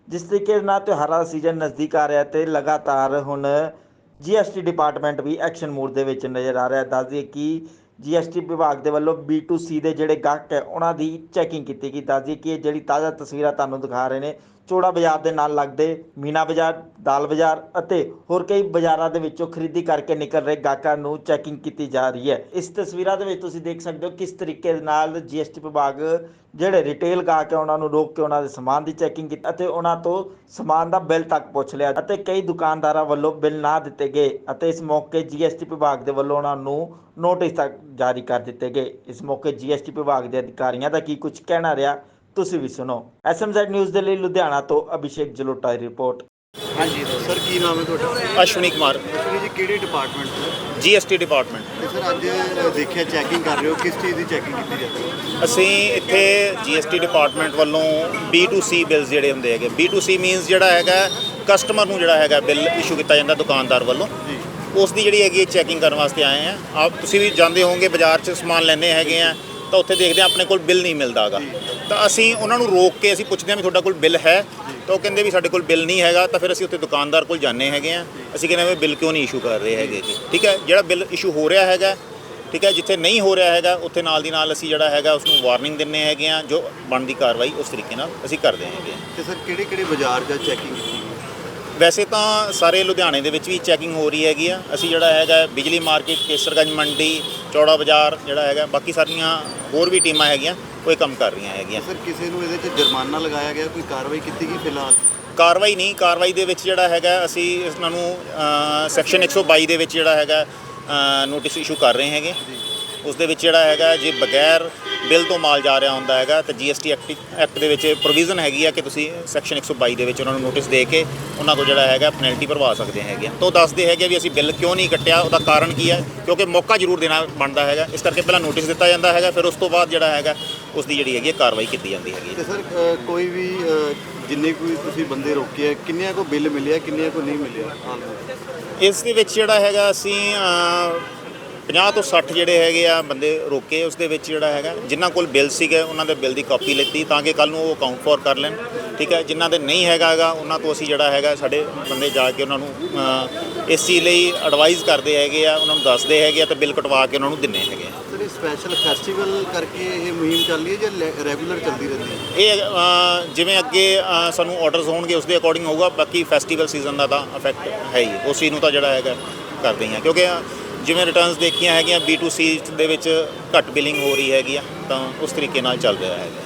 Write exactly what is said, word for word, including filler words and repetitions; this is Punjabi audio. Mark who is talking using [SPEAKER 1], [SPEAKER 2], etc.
[SPEAKER 1] जिस तरीके नाल त्योहारां दा सीजन नज़दीक आ रहा है तो लगातार हुण जी एस टी डिपार्टमेंट भी एक्शन मोड दे विच नज़र आ रहा है। दस दईए कि जी एस टी विभाग के वलों बी टू सी के जोड़े गाहक है उन्हों की चैकिंग की गई। दस दईए कि जी ताज़ा तस्वीरां तुहानूं दिखा रहे हैं चोड़ा बाजार के नाल लगते मीना बाजार, दाल बाजार अते होर कई बाजारों के विचों खरीदी करके निकल रहे गाहकों नूं चैकिंग की जा रही है। इस तस्वीरां दे विच तुसीं देख सकते हो किस तरीके नाल जी एस टी विभाग ਜਿਹੜੇ रिटेल गाहक है उन्होंने रोक के उन्होंने समान की चैकिंग की ਅਤੇ ਉਹਨਾਂ ਤੋਂ समान का बिल तक पुछ लिया ਅਤੇ कई दुकानदारों वालों बिल ना दिते गए ਅਤੇ इस मौके जी एस टी विभाग के वालों उन्होंने नोटिस तक जारी कर दिते गए। इस मौके जी एस टी विभाग के अधिकारियों का की कुछ कहना रहा तुसीं भी सुनो। एस एम ज़ेड न्यूज़ के लिए लुधियाना तो अभिषेक जलोटा की रिपोर्ट।
[SPEAKER 2] हाँ जी सर, की नाम है ਤੁਹਾਡਾ?
[SPEAKER 3] अश्विनी कुमार,
[SPEAKER 2] ਅਸ਼ਵਨੀ ਜੀ ਕਿਹੜੇ ਡਿਪਾਰਟਮੈਂਟ ਤੋਂ?
[SPEAKER 3] G S T department.
[SPEAKER 2] ਤੇ ਸਰ ਅੱਜ ਦੇਖਿਆ ਚੈਕਿੰਗ ਕਰ ਰਹੇ ਹੋ, ਕਿਸ ਚੀਜ਼ ਦੀ ਚੈਕਿੰਗ ਕੀਤੀ ਜਾਂਦੀ ਹੈ?
[SPEAKER 3] ਅਸੀਂ ਇੱਥੇ ਜੀ ਐਸ ਟੀ ਡਿਪਾਰਟਮੈਂਟ ਵੱਲੋਂ ਬੀ ਟੂ ਸੀ ਬਿਲਸ ਜਿਹੜੇ ਹੁੰਦੇ ਹੈਗੇ, ਬੀ ਟੂ ਸੀ ਮੀਨਸ ਜਿਹੜਾ ਹੈਗਾ ਕਸਟਮਰ ਨੂੰ ਜਿਹੜਾ ਹੈਗਾ ਬਿੱਲ ਇਸ਼ੂ ਕੀਤਾ ਜਾਂਦਾ ਦੁਕਾਨਦਾਰ ਵੱਲੋਂ,
[SPEAKER 2] ਜੀ
[SPEAKER 3] ਉਸ ਦੀ ਜਿਹੜੀ ਹੈਗੀ ਚੈਕਿੰਗ ਕਰਨ ਵਾਸਤੇ ਆਏ ਆ। ਆਪ ਤੁਸੀਂ ਵੀ ਜਾਂਦੇ ਹੋਵੋਗੇ ਬਾਜ਼ਾਰ 'ਚ ਸਮਾਨ ਲੈਂਦੇ ਹੈਗੇ ਆ ਤਾਂ ਉੱਥੇ ਦੇਖਦੇ ਆ ਆਪਣੇ ਕੋਲ ਬਿੱਲ ਨਹੀਂ ਮਿਲਦਾ ਗਾ, ਤਾਂ ਅਸੀਂ ਉਹਨਾਂ ਨੂੰ ਰੋਕ ਕੇ ਅਸੀਂ ਪੁੱਛਦੇ ਹਾਂ ਵੀ ਤੁਹਾਡਾ ਕੋਲ ਬਿੱਲ ਹੈ, ਤਾਂ ਉਹ ਕਹਿੰਦੇ ਵੀ ਸਾਡੇ ਕੋਲ ਬਿੱਲ ਨਹੀਂ ਹੈਗਾ। ਤਾਂ ਫਿਰ ਅਸੀਂ ਉੱਥੇ ਦੁਕਾਨਦਾਰ ਕੋਲ ਜਾਂਦੇ ਹੈਗੇ ਆ, ਅਸੀਂ ਕਹਿੰਦੇ ਵੀ ਬਿੱਲ ਕਿਉਂ ਨਹੀਂ ਇਸ਼ੂ ਕਰ ਰਹੇ ਹੈਗੇ ਜੀ। ਠੀਕ ਹੈ, ਜਿਹੜਾ ਬਿੱਲ ਇਸ਼ੂ ਹੋ ਰਿਹਾ ਹੈਗਾ, ਠੀਕ ਹੈ, ਜਿੱਥੇ ਨਹੀਂ ਹੋ ਰਿਹਾ ਹੈਗਾ ਉੱਥੇ ਨਾਲ ਦੀ ਨਾਲ ਅਸੀਂ ਜਿਹੜਾ ਹੈਗਾ ਉਸ ਨੂੰ ਵਾਰਨਿੰਗ ਦਿੰਦੇ ਹੈਗੇ ਆ, ਜੋ ਬਣਦੀ ਕਾਰਵਾਈ ਉਸ ਤਰੀਕੇ ਨਾਲ ਅਸੀਂ ਕਰਦੇ ਹੈਗੇ ਆ।
[SPEAKER 2] ਤੇ ਸਰ ਕਿਹੜੇ ਕਿਹੜੇ ਬਾਜ਼ਾਰ ਜਾਂ ਚੈਕਿੰਗ ਕੀਤੀ?
[SPEAKER 3] ਵੈਸੇ ਤਾਂ ਸਾਰੇ ਲੁਧਿਆਣੇ ਦੇ ਵਿੱਚ ਵੀ ਚੈਕਿੰਗ ਹੋ ਰਹੀ ਹੈਗੀ ਆ। ਅਸੀਂ ਜਿਹੜਾ ਹੈਗਾ ਬਿਜਲੀ ਮਾਰਕੀਟ, ਕੇਸਰਗੰਜ ਮੰਡੀ, ਚੌੜਾ ਬਾਜ਼ਾਰ ਜਿਹੜਾ ਹੈਗਾ, ਬਾਕੀ ਸਾਰੀਆਂ ਹੋਰ ਵੀ ਟੀਮਾਂ ਹੈਗੀਆਂ ਉਹ ਇਹ ਕੰਮ ਕਰ ਰਹੀਆਂ ਹੈਗੀਆਂ।
[SPEAKER 2] ਸਰ ਕਿਸੇ ਨੂੰ ਇਹਦੇ 'ਚ ਜੁਰਮਾਨਾ ਲਗਾਇਆ ਗਿਆ, ਕੋਈ ਕਾਰਵਾਈ ਕੀਤੀ ਗਈ ਫਿਲਹਾਲ?
[SPEAKER 3] ਕਾਰਵਾਈ ਨਹੀਂ, ਕਾਰਵਾਈ ਦੇ ਵਿੱਚ ਜਿਹੜਾ ਹੈਗਾ ਅਸੀਂ ਇਹਨਾਂ ਨੂੰ ਸੈਕਸ਼ਨ ਇੱਕ ਸੌ ਬਾਈ ਦੇ ਵਿੱਚ ਜਿਹੜਾ ਹੈਗਾ ਨੋਟਿਸ ਇਸ਼ੂ ਕਰ ਰਹੇ ਹੈਗੇ। ਉਸ ਦੇ ਵਿੱਚ ਜਿਹੜਾ ਹੈਗਾ ਜੇ ਬਗੈਰ ਬਿੱਲ ਤੋਂ ਮਾਲ ਜਾ ਰਿਹਾ ਹੁੰਦਾ ਹੈਗਾ ਤਾਂ ਜੀ ਐਸ ਟੀ ਐਕਟ ਐਕਟ ਦੇ ਵਿੱਚ ਪ੍ਰੋਵੀਜ਼ਨ ਹੈਗੀ ਆ ਕਿ ਤੁਸੀਂ ਸੈਕਸ਼ਨ ਇੱਕ ਸੌ ਬਾਈ ਦੇ ਵਿੱਚ ਉਹਨਾਂ ਨੂੰ ਨੋਟਿਸ ਦੇ ਕੇ ਉਹਨਾਂ ਤੋਂ ਜਿਹੜਾ ਹੈਗਾ ਪੈਨਲਟੀ ਭਰਵਾ ਸਕਦੇ ਹੈਗੇ। ਤਾਂ ਉਹ ਦੱਸਦੇ ਹੈਗੇ ਵੀ ਅਸੀਂ ਬਿੱਲ ਕਿਉਂ ਨਹੀਂ ਕੱਟਿਆ, ਉਹਦਾ ਕਾਰਨ ਕੀ ਹੈ, ਕਿਉਂਕਿ ਮੌਕਾ ਜ਼ਰੂਰ ਦੇਣਾ ਬਣਦਾ ਹੈਗਾ। ਇਸ ਕਰਕੇ ਪਹਿਲਾਂ ਨੋਟਿਸ ਦਿੱਤਾ ਜਾਂਦਾ ਹੈਗਾ, ਫਿਰ ਉਸ ਤੋਂ ਬਾਅਦ ਜਿਹੜਾ ਹੈਗਾ ਉਸ ਦੀ ਜਿਹੜੀ ਹੈਗੀ ਕਾਰਵਾਈ ਕੀਤੀ ਜਾਂਦੀ ਹੈਗੀ।
[SPEAKER 2] ਤੇ ਸਰ ਕੋਈ ਵੀ ਜਿੰਨੇ ਕੋਈ ਤੁਸੀਂ ਬੰਦੇ ਰੋਕੇ ਆ, ਕਿੰਨਿਆਂ ਕੋ ਬਿੱਲ ਮਿਲਿਆ, ਕਿੰਨਿਆਂ ਕੋ ਨਹੀਂ ਮਿਲਿਆ?
[SPEAKER 3] ਇਸ ਦੇ ਵਿੱਚ ਜਿਹੜਾ ਹੈਗਾ ਅਸੀਂ ਪੰਜਾਹ ਤੋਂ ਸੱਠ ਜਿਹੜੇ ਹੈਗੇ ਆ ਬੰਦੇ ਰੋਕੇ। ਉਸ ਦੇ ਵਿੱਚ ਜਿਹੜਾ ਹੈਗਾ ਜਿਨ੍ਹਾਂ ਕੋਲ ਬਿੱਲ ਸੀਗੇ ਉਹਨਾਂ ਦੇ ਬਿੱਲ ਦੀ ਕਾਪੀ ਲਿੱਤੀ ਤਾਂ ਕਿ ਕੱਲ੍ਹ ਨੂੰ ਉਹ ਅਕਾਊਂਟ ਫੋਰ ਕਰ ਲੈਣ। ਠੀਕ ਹੈ, ਜਿਨ੍ਹਾਂ ਦੇ ਨਹੀਂ ਹੈਗਾ ਹੈਗਾ ਉਹਨਾਂ ਤੋਂ ਅਸੀਂ ਜਿਹੜਾ ਹੈਗਾ ਸਾਡੇ ਬੰਦੇ ਜਾ ਕੇ ਉਹਨਾਂ ਨੂੰ ਇਸ ਚੀਜ਼ ਲਈ ਐਡਵਾਈਜ਼ ਕਰਦੇ ਹੈਗੇ ਆ, ਉਹਨਾਂ ਨੂੰ ਦੱਸਦੇ ਹੈਗੇ ਆ ਅਤੇ ਬਿੱਲ ਕਟਵਾ ਕੇ ਉਹਨਾਂ ਨੂੰ ਦਿੰਦੇ ਹੈਗੇ ਆ।
[SPEAKER 2] ਸਰ ਇਹ ਸਪੈਸ਼ਲ ਫੈਸਟੀਵਲ ਕਰਕੇ ਇਹ ਮੁਹਿੰਮ ਚੱਲ ਰਹੀ ਹੈ ਜਾਂ ਰੈਗੂਲਰ ਚੱਲਦੀ ਰਹਿੰਦੀ ਹੈ?
[SPEAKER 3] ਇਹ ਜਿਵੇਂ ਅੱਗੇ ਸਾਨੂੰ ਆਰਡਰਸ ਹੋਣਗੇ ਉਸ ਦੇ ਅਕੋਰਡਿੰਗ ਹੋਊਗਾ, ਬਾਕੀ ਫੈਸਟੀਵਲ ਸੀਜ਼ਨ ਦਾ ਤਾਂ ਇਫੈਕਟ ਹੈ ਹੀ, ਉਸ ਚੀਜ਼ ਨੂੰ ਤਾਂ ਜਿਹੜਾ ਹੈਗਾ ਕਰਦੇ ਹਾਂ। ਕਿਉਂਕਿ ਜਿਵੇਂ ਰਿਟਰਨਸ ਦੇਖੀਆਂ ਹੈਗੀਆਂ ਬੀ ਟੂ ਸੀ ਦੇ ਵਿੱਚ ਘੱਟ ਬਿਲਿੰਗ ਹੋ ਰਹੀ ਹੈਗੀ ਆ, ਤਾਂ ਉਸ ਤਰੀਕੇ ਨਾਲ ਚੱਲ ਰਿਹਾ ਹੈਗਾ।